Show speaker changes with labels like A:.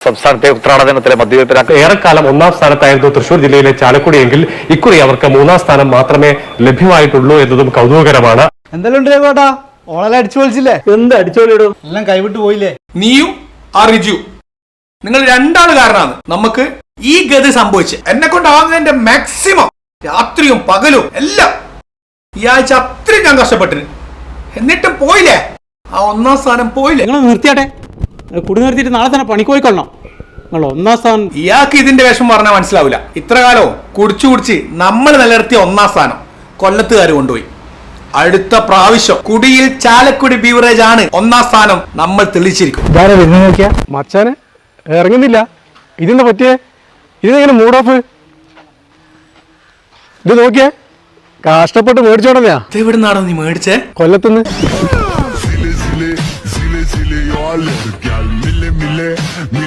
A: സംസ്ഥാനത്തെ ഉത്രാടനത്തിലെ മദ്യവെപ്പിന്
B: ഏറെക്കാലം ഒന്നാം സ്ഥാനത്തായിരുന്നു തൃശൂർ ജില്ലയിലെ ചാലക്കുടിയെങ്കിൽ ഇക്കുറി അവർക്ക് മൂന്നാം സ്ഥാനം മാത്രമേ ലഭ്യമായിട്ടുള്ളൂ എന്നതും കൗതുകകരമാണ്.
C: എന്തെല്ലാം ഉണ്ട് ചേട്ടാ, ഓളെല്ലാം അടിച്ചു പൊളിച്ചില്ലേ?
B: എന്ത് അടിച്ചോളിടും,
C: എല്ലാം കൈവിട്ട് പോയില്ലേ?
D: നീയും ആ റിജു, നിങ്ങൾ രണ്ടാള് കാരണമാണ് നമുക്ക് ഈ ഗതി സംഭവിച്ചത്. എന്നെ കൊണ്ടാകുന്നതിന്റെ മാക്സിമം രാത്രിയും പകലും എല്ലാം ഈ ആഴ്ച അത്രയും ഞാൻ കഷ്ടപ്പെട്ടിന്. എന്നിട്ടും പോയില്ലേ, ആ ഒന്നാം സ്ഥാനം പോയില്ലേ?
C: നിങ്ങൾ നിർത്തിയാട്ടെ, കുടി നിർത്തിയിട്ട് നാളെ തന്നെ പണിക്ക് പോയിക്കൊള്ളണം. നിങ്ങൾ ഒന്നാം സ്ഥാനം.
D: ഇയാൾക്ക് ഇതിന്റെ വിഷമം പറഞ്ഞാൽ മനസ്സിലാവില്ല. ഇത്ര കാലവും കുടിച്ചു നമ്മൾ നിലനിർത്തിയ ഒന്നാം സ്ഥാനം കൊല്ലത്തുകാർ കൊണ്ടുപോയി. അടുത്ത പ്രാവശ്യം കുടിയിൽ ചാലക്കുടി ബീവറേജ് ആണ് ഒന്നാം സ്ഥാനം നമ്മൾ തെളിയിച്ചിരിക്കും.
B: മച്ചാനെ ഇറങ്ങുന്നില്ല, ഇതെന്താ പറ്റിയേ? ഇതെങ്ങനെ മൂഡ് ഓഫ്? ഇത് നോക്കിയേ, കഷ്ടപ്പെട്ട് മേടിച്ചോടന്നെയാ.
D: ഇതെവിടുന്നാണോ നീ മേടിച്ചേ?
B: കൊല്ലത്തുനിന്ന്.